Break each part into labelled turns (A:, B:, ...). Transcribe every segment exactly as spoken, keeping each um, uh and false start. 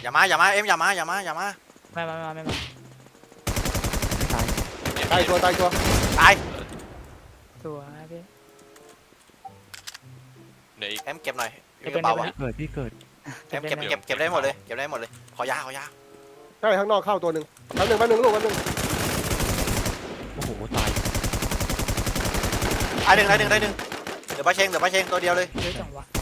A: อย่ามาอย่ามาเอ็มอย่ามาอย่ามาอย่ามา
B: ไม่มาไม่มาไม่มา
C: ตาย
D: ตายตัวตายตัว
A: ตาย
B: สวยพี่
E: เดี๋ยวอีก
A: เอ็มเก็บหน่อย
B: เก็บ
A: กระเป๋า
B: เป็น
A: อะ
B: ไง
C: เกิดพี่เกิด
A: เอ็มเก็บเก็บเก็บได้หมดเลยเก็บได้หมดเลยขอยาขอยา
D: ใช่ข้างนอกเข้าตัวหนึ่งแป๊บหนึ่งแป๊บหนึ่งลูกแป๊บหนึ่ง
C: โอ้โหตาย
A: ตายหนึ่งตายหนึ่งตายหนึ่งเดี๋ยวป้าเชงเดี๋ยวป้าเชงตัวเดียวเลย
B: เยอะจังวะ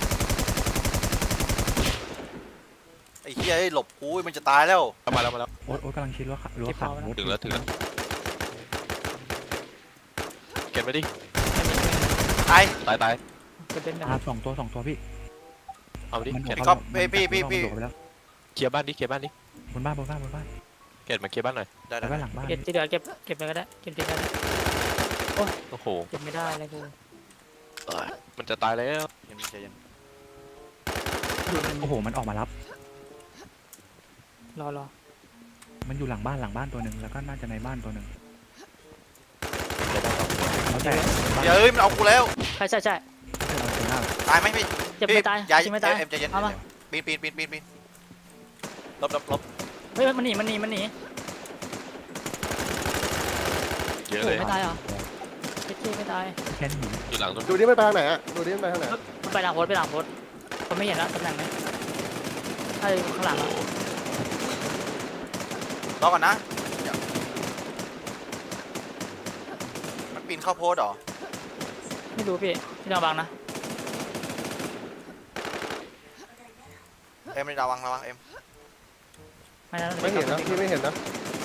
A: ไอ้เหี้ยหลบกูมันจะตายแล้ว
E: เอามาแล้วมาแล้ว
C: โอ๊ตโอ๊ตกำลังคิดว่ารั้วขาดโอ๊ต
E: ถึงแล้วถึงแล้วเก็บไปดิ
A: ตาย
E: ตายตาย
B: เก็บเป็นนะ
C: อ่าสองตัวสองตัวพี่
E: เอาดิ
C: มัน
E: เก็บ
A: ก็พี่พี่พี่พี่
C: ไปแล้ว
E: เคลียร์บ้านดิเคลียร์บ้านดิ
C: บนบ้านบนบ้านบนบ้าน
E: เก็บมาเคลียร์บ้านหน่อย
A: ได้
C: แล้ว
A: ได้
C: ก็หลังบ้าน
B: เก็บที่เหลือเก็บเก็บไปก็ได้เก็บไปก็ได้
E: โอ้โห
B: เก็บไม่ได้เลยกู
E: มันจะตายแล้ว
A: เย็นใจเย็น
C: โอ้โหมันออกมารับ
B: รอรอ
C: มันอยู่หลังบ้านหลังบ้านตัวหนึ่งแล้วก็น่าจะในบ้านตัวหนึ่ง
E: เก็บได้สองตัว
C: แล้วแต่บ้าน
A: เดี๋ยวเอ้ยมันเอากูแล้ว
B: ใช่ใช่ใช่
C: เราเจอหน้า
A: ตายไหมพี่
B: เจ็บไม่ตาย
A: อย่า
B: เจ็บไม่ตาย
A: เอ็มใจเย็น
B: เอามา
A: ปีนปีนปีนปีนปีนลบลบลบ
B: เฮ้ยมันหนีมันหนีมันหนี
E: เยอะ
B: โอ้
E: เลย
B: ไม่ตายเหรอเจ๊ไม่ตาย
C: แค่หิน
E: อยู่หลังต้น
D: ดูดิมันไปทางไหนอ่ะดูดิมันไปทางไหน
B: มันไปหลังโพสไปหลังโพสผมไม่เห็นแล้วตำแหน่งไหนใช่ข้างหลังอ่ะ
A: รอก่อนนะเดี๋ยวมันปีนเข้าโพสเหรอ
B: ไม่รู้พี่พี่ระวังนะ
A: เอ็มระวังระวังเอ็ม
B: ไม่นะ
D: ไม่เห็นนะพี่ไม่เห็นนะ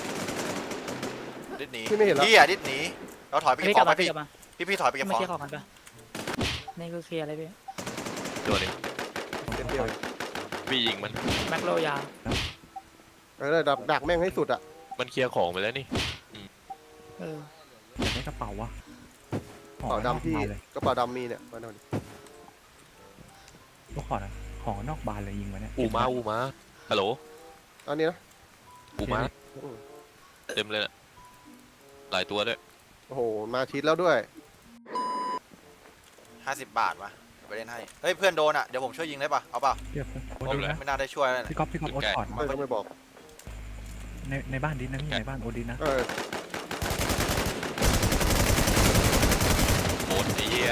A: ดิดหนี
D: พี่ไม่เห็นแล้ว
A: พี่อ่ะดิดหนีเราถอยไป
B: พี่
A: เก็บ
B: ก
A: ข
B: ลั
A: อบ งไป
B: มาพี่
A: พี่
B: กลับมา
A: พี่พี่ถอยไปเก็บ
B: ไม่
A: ของ
B: เคลียร์ของกันปะนี่คือเคลียร์อะไรพี่
E: ตัวนี้
D: เดียว
E: พี่ยิงมัน
B: แม็กโลยา
D: เออดักดักแม่งให้สุดอ่ะ
E: มันเคลียร์ของไปแล้วนี่
B: เออ
C: อยากได้กระเป๋าวะ
D: กระเป๋าดำพี่
C: เลย
D: กระเป๋าดำมีเนี่ยมาดูดิ
C: ลูกขอนะของนอกบานเลยยิงมาเนี่ย
E: อูมาอูมาฮัลโหล
D: อันนี้นะ
E: อูมาเต็มเลยน่ะหลายตัวด้วย
D: โอ้โหมาชิดแล้วด้วย
A: ห้าสิบบาทวะไปเล่นให้เฮ้ยเพื่อนโดนอ่ะเดี๋ยวผมช่วยยิงได้ปะเอาเปล่า
C: เรียบโอ๊ต
A: ผม
C: ดูนะ
A: ไม่น่าได้ช่วยแล้ว
C: พี่
A: นะ
C: ก๊อฟพี่ก๊อฟโอ๊ตขอดมา
D: ไม่ต้องไม่บอก
C: ในในบ้านดินนะพี่ในบ้านโอ๊ตดินนะ
D: เออ
E: โคตรไอ้เหี้ย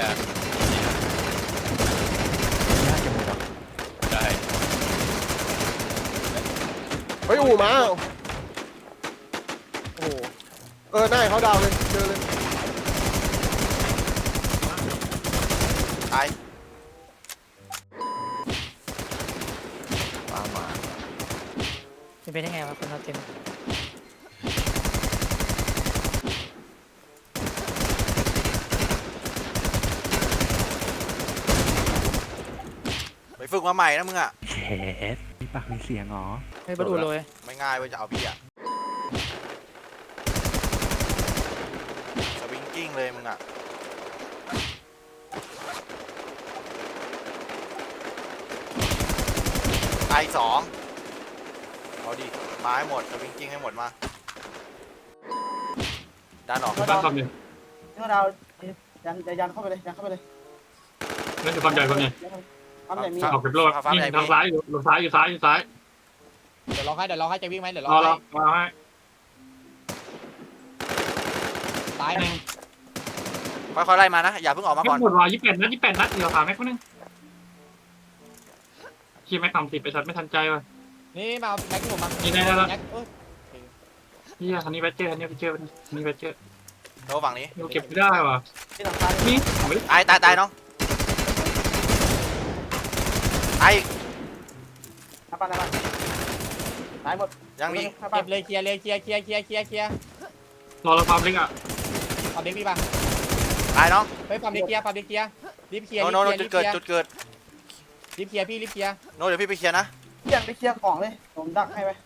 C: น่าจะหมดอ่ะ
E: ได้
D: เฮ้ยอู่มาโอ้โหเออหน้าเขาดาวเลยเจอเลย
A: ตาย
C: มามา
B: เป็นไปได้ไงวะคนเราเต็ม
A: ไปฝึกมาใหม่นะมึงอ่ะ
C: เชสมีปากมีเสียงเหรอ
B: เฮ้ยบดูเลย
A: ไม่ง่ายเว้ยจะเอาพี่อ่ะสวิงกิ้งเลยมึงอ่ะตายสองเอาดิมาให้หมดสวิงกิ้งให้หมดมาด้านออก
F: บ้านความใหญ่
G: ที่ว่าเรายันยันเข้าไปเลยยันเข้าไปเลย
F: นั่นคือความใหญ่ความใหญ่
G: ความใหญ่มี
F: ถ้าออกเก็บโลดนี่ทางซ้ายอยู่ลงซ้ายอยู่ซ้ายอยู่ซ้าย
G: เดี๋ยวลองให้เดี๋ยวลองให้จะวิ่งไหมเดี๋ยวล
F: ร
G: อง
F: อร
G: ให้
F: อรอให้
G: ตาย
F: หนึ่ง
A: ค่อยๆไล่มานะอย่าเพิ่งออกมา
F: เก็บ
A: ก่อน
F: หมดว่ะยี่สิบแปดนัดยี่สิบแปดนัดเดี๋ยวขาแม็กคนนึงขี้แม็กต่ำสิบไปช็อตไม่ทันใจว่ะ
G: นี่มาแม็กซ์ผมมา
F: นี่ได้แล้ว
G: แม็กซ์เอ้ย
F: เฮียคันนี้แบตเจอร์คันนี้แบตเจอร์คันนี้แบตเจอร์
A: โน้ฝั่งนี้
F: เราเก็บไม่ได้ว่ะ
G: ที่หลังคา
F: นี่เอาไป
A: ตายตายตายน้องตายอีก
G: หน้าบ้านหน้าบ้านตายหมด
A: ยังมี
G: หน้าบ้านเก็บเลยเคลียร์เลยเคลียร์เคลียร์เคลียร์เคลียร์เคลียร์
F: รอเราความเล็กอ่ะ
G: ปั๊มเด็กพี่ป่ะ
A: ตายน้อง
G: เฮ้ยปั๊มเด็กเคลียร์ปั๊มเด็กเคลียร์รีบเคลียร์
A: โน
G: รีบ
A: โน
G: เค
A: โน
G: ลียร์
A: จุ
G: รี
A: ด
G: บเค
A: เกิด
G: ลียร์
A: จุดเกิด
G: รีบเคลียร์พี่รีบเคลียร์
A: โนเดี๋ยวพี่ไปเคลียร์นะ
G: เคลียร์ไปเคลียร์ของเลยผมดักให้ไป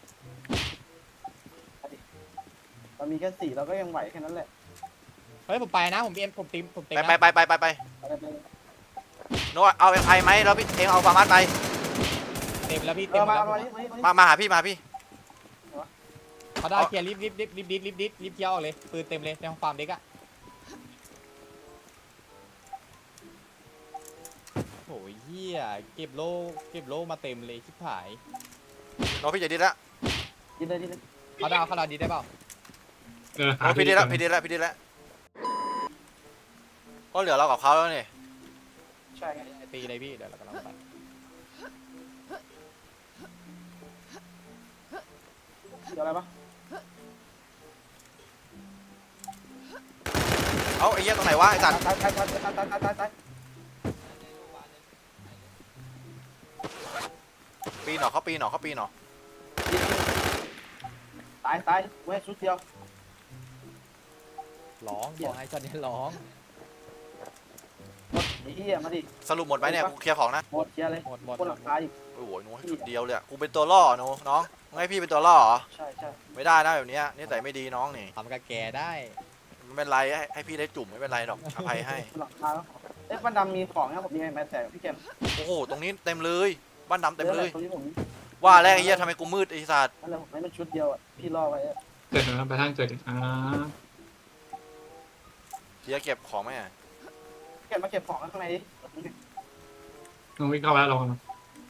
G: เรามีแค่สี่เราก็ยังไหวแค่นั้นแหละเฮ้ยผมไปนะผมเอ็มผมตีผมเต็ม
A: ไป
G: นะ
A: ไปไปไปไปไปโนเอาเอ็มไอไหมแล้วพี่เองเอาฟาร์มัสไป
G: เต็มแล้วพี่เต็มแล้ว
A: มามาหาพี่มาพี่
G: เขาได้เคลียร์รีบรีบรีบรีบรีบรีบรีบรีบเคลียร์ออกเลยปืนเต็มเลยในห้องฟาร์มเด็กอะโอ้ยเหี้ยเก็บโล่เก็บโล่มาเต็มเลยชิบหาย
A: โน้พี่จะดิดละ
B: ยิงเลยยิงเลย
G: เขาดาวเขาดาวดีได้เปล่า
F: เออหา
A: โน้พี่ดิดละ
F: ก่อน
A: พี่ดิดละพี่ดิดละก็เหลือเรากับเขาแล้วนี่
B: ใช่ไง
G: ตีเลยพี่เดี๋ยวเรากำลังไป
B: เดี๋ยวอะไรปะ
A: เอาไอ้เหี้ยตรงไหนวะไอ้สัตว์
B: ตายตายตายตายตายตายตายตาย
A: ปีนหนอเขาปีนหนอเขาปีนหนอ
B: ตายตายเว้ยชุดเดียว
G: ร้องบอกให้ช็อตนี้ร้อง
B: หมดไอ้เหี้ยมาดิ
A: สรุปหมดไหมเนี่ยกูเคลียร์ของนะ
B: หมดเคลียร์เลย
G: หมดหมด
B: คนหลังคาอีก
A: โอ้โหหนูให้จุดเดียวเลยอะกูเป็นตัวล่อหนูน้องมึงให้พี่เป็นตัวล่อเหรอ
B: ใช่ใช่
A: ไม่ได้นะแบบเนี้ยนี่แต่ไม่ดีน้องนี่
G: ทำกับแกได้
A: ไม่เป็นไรให้ให้พี่ได้จุ่มไม่เป็นไรหรอกอภัยให้
B: คนหลังคาแล้วเอ๊ะบ้านดำมีของนะผมมีไม้แตกพี่เกม
A: โอ้โหตรงนี้เต็มเลยบ้านดำเต็มเลย
B: ตรงนี้ผม
A: ว่าแล้วไอ้เหี้ยทำไมกูมืดไอ้สัตว์
B: นั่นแหละผมให้มันชุดเดียวอ่ะพี่ล่อไว้อะ
F: เกิดนะไปทางเกิดอ่า
A: เดี๋ยวเก็บของไหมอะ
B: เก็บมาเก็บของข้างในดิ
F: น้องวิ่งเข้าไปแล้วลองนะ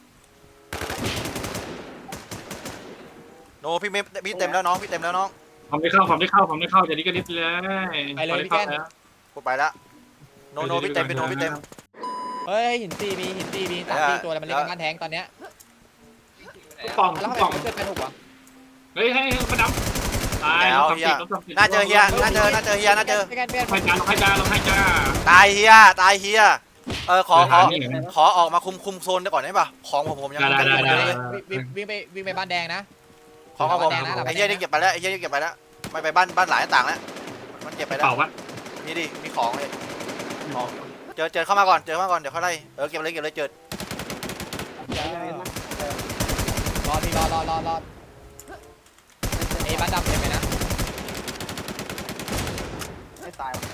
A: โนพี่ไม่พี่เต็มแล้วน้องพี่เต็มแล้วน้อง
F: ผมได้เข้าผมได้เข้าผมได้เข้าจะนี้ก็นิดเลย
G: ไปเลยพี่แก้น
A: กูไปละโนโนพี่เต็มพี่โนพี่เต็ม
G: เฮ้ยหินตีมีหินตีมีสามตีตัวแล้วมันเล่นกันบ้านแทงตอนเนี้ย
F: ป่อง
G: แล้วทำไม
F: ป่อง
G: มันเกิดไปถูกวะ
F: เฮ้ยให้มาดำตาย
A: แล้วเฮียน่าเจอเฮียน่าเจอน่าเจอเฮียน่าเจอ
G: พี่แก้นพี่แก้น
F: ให้จ้าลงให้จ้าลงให้จ้า
A: ตายเฮียตายเฮียเออขอขอ
F: นี่
A: ขอออกมาคุมคุมโซนได้ก่อนได้ปะของผมผมยัง
F: ได้ได้ได้
A: เลย
G: วิ่งวิ่งไปวิ่งไปบ้านแดงนะ
A: ของของผม
G: แดงนะหลัง
A: ไอ้เฮียนี่เก็บไปแล้วไอ้เฮียนี่เก็บไปแล้วไม่ไปบ้านบ้านหลายต่างแล้วมันเก็บไปแล้ว
F: เป่าวะ
A: มีดิมีของเลยเจอเจอเข้ามาก่อนเจอเข้ามาก่อนเดี๋ยวค่อยไล่เออเก็บเลยเก็บเลยเจอ
G: รอพี่รอรอรอรอไอ้บ้านดำเต็มเลยนะ
B: ไม่ตายว่ะ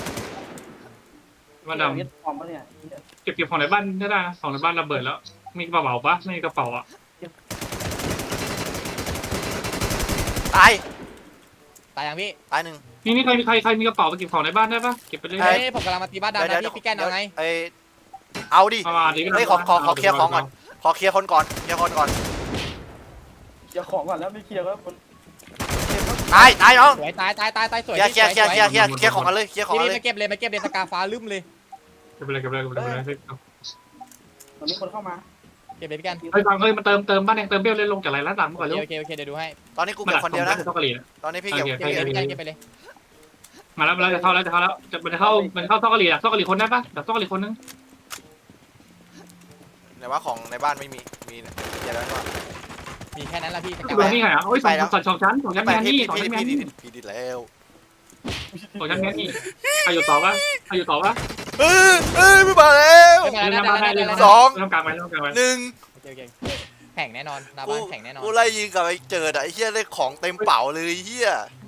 F: มาด
B: ยึดของปะเนี่ย
F: ำเก็บเก็บของในบ้านได้ได้ของในบ้านระเบิดแล้วมีกระเป๋าปะไม่มีกระเป๋าอ่ะ
A: ตาย
G: ตายยังพี่
A: ตายหนึ่ง
F: นี่นี่ใครมีใครใครมีกระเป๋าไปเก็บของในบ้านได้ปะเก็บไปเลย
G: เฮ้ยผมกำลังมาตีบ้านดำนะพี่พี่แก้นเอาไง
A: เออเอาดิ
F: ประมาณนี้ก็
A: เฮ้ยขอขอขอเคลียร์ของก่อนขอเคลียร์คนก่อนเคลียร์คนก่อน
B: เดี๋ยวของก่อนแล้วไม่เคลียร์ก็คน
A: ตายตายน้อง
G: สวยตายตายตายตายสวย
A: เคลียร์เคลียร์เคลียร์เคลียร์เคลียร์เคลียร์ของกันเลยเคลียร์ของ
G: พี่
A: กันเล
G: มาย เก็บเลยมาเก็บเลยสกาฟ้าลืมเลย
F: เก็บไปเลยเก็บไปเลยเก็บไปเลย
B: ตอนนี้คนเข้ามา
G: เก็บเลยพี่แก้น
F: เฮ้ยฟังเฮ้ยมาเติมเติมบ้านแดงเติมเบี้ยวเลยลงจากไรล้านหลังก่อนเร็ว
G: โอเคโอเคเดี๋ยวดูให้
A: ตอนนี้กูเก็บคนเดียวนะ
F: ต้องกะหรี่
A: ตอนนี้พี่เก็บ
G: เก็บเลยพี่แก้นเก็บไปเลย
F: มาแล้วมาแล้วจะเข้าแล้วจะเข้าแล้วจะมันจะเข้ามันเข้าต้องกะหรี่อ่ะต้องกะหรี่คนได้ปะแต่ต้องกะหรี่คนนึง
A: ไหนว่าของในบ้านไม่มีมีเนี่ยเดี๋ยวแล้วว่า
G: มีแค่นั้นละพี่ส
F: ตั
G: กาว
F: นี้ไงอ่ะโอ้ยสองสองสองชั้นสองชั้น
A: ไป
F: แมน
A: พี่
F: นี่
A: พี่
F: สอง
A: พี่
F: ชั้นแมน
A: พี่
F: นี่
A: พี่ดิดแล้ว
F: สองชั้นแมนนี่ใครอยู่ต่อปะใครอยู่ต่อปะ
A: เอ้ยเอ้ยไม่มาแล้ว
G: ไม่เป็นไร
F: เล่น
G: ได้
F: มา
G: ได้
F: ได้
G: ได้
F: เล่น
G: ได้
A: สอง
F: เล่นกลางไปเล่นกลางไป
A: หนึ่ง
G: โอเคโอเคแข่งแน่นอนหน้า
A: กู
G: บ้านแข่งแน่นอน
A: กูไล่ยิงกับไอ้เจิดอะไอ้เหี้ยได้ของเต็มเป๋าเลยไอ้เหี้ย